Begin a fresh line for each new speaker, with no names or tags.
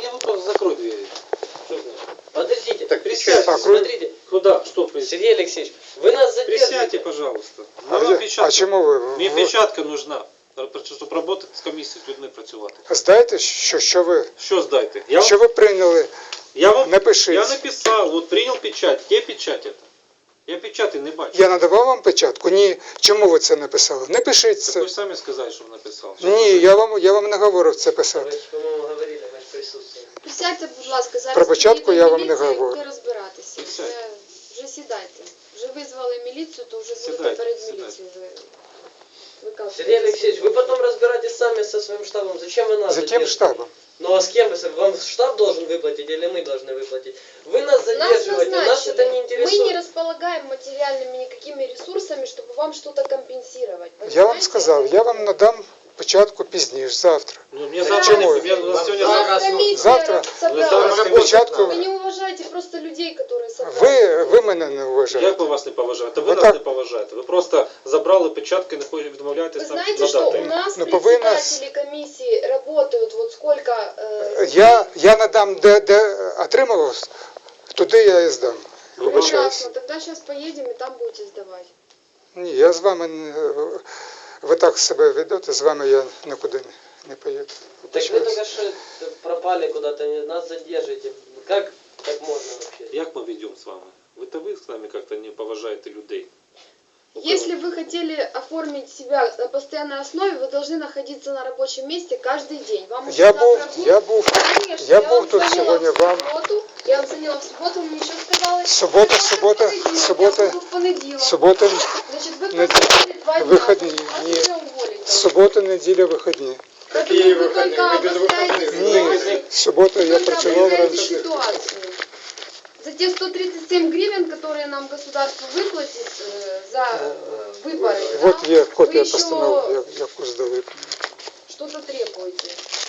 Мне ну просто закрой двери. Что значит?
Подождите,
Так,
присядьте,
так,
смотрите.
Куда? Что присядьте?
Сергей Алексеевич, вы нас
Присядьте,
задержите.
пожалуйста.
А,
Нам печатка.
а чому ви?
Мне печатка нужна, щоб працювати з комісією, з людьми працювати.
Знаєте, що ви,
Що здайте?
що ви прийняли?
Я
Напишіть.
Я написав, вот принял печать. Где печать это? Я печати не бачу.
Я надавав вам печатку? Ні. Чому ви це написали? Не пишіть
Так
це.
ви ж самі сказали, що написав.
Ні, я вам не говорив це
Ви
писати.
ж, по-моєму, говорили, ми ж присутствуємо.
Присядьте, будь ласка, зараз
Про початку
приїде
я вам не
міліція і
говорю.
буде розбиратися.
Присядьте.
Вже сідайте. Вже визвали міліцію, то вже будете
Сідайте,
перед
сідайте.
міліцією вже виказувати.
Сергей Алексеевич, вы потом разбираетесь сами со своим штабом. Зачем вы нас
За тим
задерживаете?
штабом.
Ну а с кем вы? Вам штаб должен выплатить или мы должны выплатить? Вы нас
Нас
задерживаете, нас
назначили.
это не
Мы
интересует.
не располагаем материальными никакими ресурсами, чтобы вам что-то компенсировать.
Я вам
Понимаете?
сказав, я вам надам печатку пізніше, завтра.
Ну, мне
Чому?
завтра, у нас сегодня
Вас комиссия
Завтра-
собралась.
завтра
Печатку.
Вы не уважаете просто людей, которые собрались.
Ви мене не
Як
вважаєте.
ви вас не поважаєте? Ви
Ви
нас
так-
не поважаєте. Ви просто забрали печатки, не відмовляєтесь
Вы
нам
знаете, что
надати.
у нас
Ну, повинна-
председатели комиссии работают вот сколько...
Я надам, де отримав, туди я і здам. Вибачаюсь.
Прекрасно, тогда сейчас поедем и там будете сдавать.
Ні, я з вами не... Ви так себе ведете, з вами я нікуди не поїду.
Так вы
Вибачаюсь.
только что пропали куда-то, нас задержите. Как так можно вообще?
Як ми ведемо з вами? Ви з нами як-то не поважаєте людей.
Если вы хотели оформить себя на постоянной основе, вы должны находиться на рабочем месте каждый день. Вам уже
Я
завтра
був,
Конечно,
я
вам
був тут
звонила
сьогодні
в
вам.
суботу. Я вам звонила в субботу, вы мне еще сказали.
Субота,
«Завтра
субота,
в понедельник,
субота,
я буду в понедельник».
Субота,
Значит, вы
не-
просидели 2 дня.
выходные,
Вас
не-
уже уволить.
субота, неділя, вихідні.
Поэтому вы только обостряете
Ні,
ситуацию.
субота я
Только
працював
обостряете
раніше.
ситуацию. За те 137 гривен, которые нам государство выплатит за выборы,
От
да,
є
вы
копія
еще
постанови, яку здали.
что-то требуете.